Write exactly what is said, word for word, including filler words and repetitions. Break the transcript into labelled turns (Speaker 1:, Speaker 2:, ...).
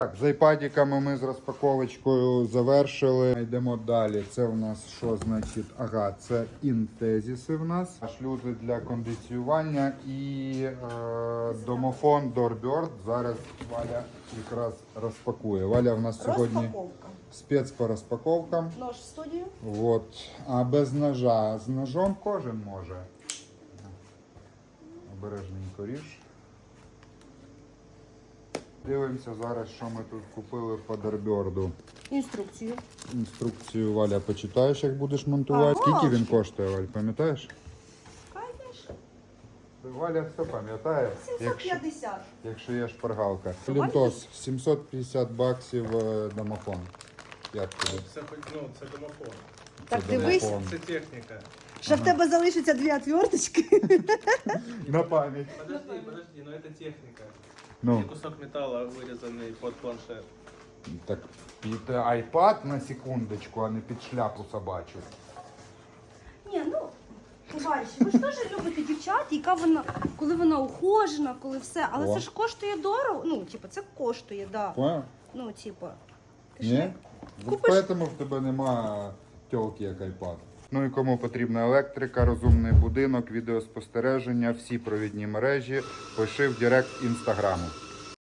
Speaker 1: Так, з айпадиками ми з розпаковочкою завершили. Йдемо далі. Це у нас що значить? Ага, це інтезіси в нас. Шлюзи для кондиціювання і е, домофон Doorbird. Зараз Валя якраз розпакує. Валя в нас сьогодні
Speaker 2: Розпаковка.
Speaker 1: спец по розпаковкам.
Speaker 2: Нож в студію.
Speaker 1: Вот. А без ножа. З ножом кожен може. Обережненько ріж. Дивимося зараз, що ми тут купили по Doorbird.
Speaker 2: Інструкцію.
Speaker 1: Інструкцію, Валя, почитаєш, як будеш монтувати.
Speaker 2: Ага.
Speaker 1: Скільки він коштує, Валь, пам'ятаєш?
Speaker 2: Конечно.
Speaker 1: Валя все пам'ятає,
Speaker 2: сімсот п'ятдесят.
Speaker 1: якщо є шпаргалка.
Speaker 2: Валя?
Speaker 1: Лінтос, сімсот п'ятдесят баксів е, домофон. Як тобі?
Speaker 3: Це хоч- ну, це домофон.
Speaker 2: Так
Speaker 1: Це
Speaker 2: дивись,
Speaker 1: домофон.
Speaker 3: Це техніка.
Speaker 2: що в тебе залишиться дві отверточки.
Speaker 1: На пам'ять.
Speaker 3: Подожди, подожди, ну это техніка.
Speaker 1: Ну,
Speaker 3: Це кусок металу вирізаний під планшет.
Speaker 1: так, під айпад на секундочку, а не під шляпу собачу.
Speaker 2: Ні, ну, товариші, ви ж теж любите дівчат, яка вона, коли вона ухожена, коли все. Але
Speaker 1: О.
Speaker 2: це ж коштує дорого. Ну, типу, це коштує, да.
Speaker 1: Поняв?
Speaker 2: Ну, типу. Ти
Speaker 1: Ні?
Speaker 2: ж
Speaker 1: Купиш...
Speaker 2: Купиш-
Speaker 1: Тому в тебе нема тьолки, як айпад. Ну і кому потрібна електрика, розумний будинок, відеоспостереження, всі провідні мережі, пиши в директ інстаграму.